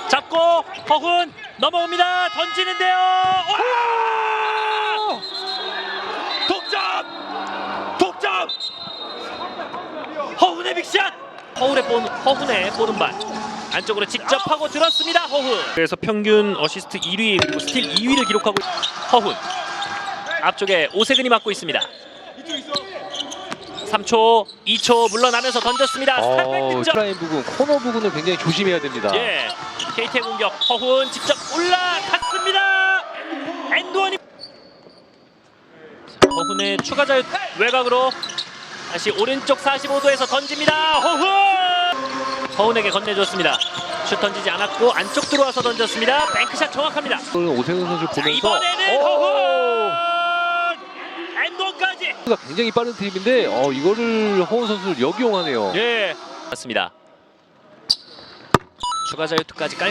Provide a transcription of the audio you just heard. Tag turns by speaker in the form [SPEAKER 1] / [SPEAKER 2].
[SPEAKER 1] 잡고 허훈 넘어옵니다. 던지는데요. 독점! 허훈의 빅샷! 허훈의 보른발 안쪽으로 직접 하고 들었습니다. 허훈. 그래서 평균 어시스트 1위 그리고 스틸 2위를 기록하고 허훈. 앞쪽에 오세근이 맡고 있습니다. 3초, 2초 물러나면서 던졌습니다. 스탑백 득점.
[SPEAKER 2] 트라인 부분, 코너 부분을 굉장히 조심해야 됩니다.
[SPEAKER 1] 예, KT의 공격 허훈 직접 올라갔습니다. 엔드원이 허훈의 추가 자유 외곽으로 다시 오른쪽 45도에서 던집니다. 허훈에게 건네줬습니다. 슛 던지지 않았고 안쪽 들어와서 던졌습니다. 뱅크샷 정확합니다.
[SPEAKER 2] 오세근 선수
[SPEAKER 1] 자,
[SPEAKER 2] 보면서
[SPEAKER 1] 이번에는 허훈 엔드원까지.
[SPEAKER 2] 굉장히 빠른 트립인데 이거를 허훈 선수를 역이용하네요.
[SPEAKER 1] 예, 맞습니다. 추가 자유투까지 깔.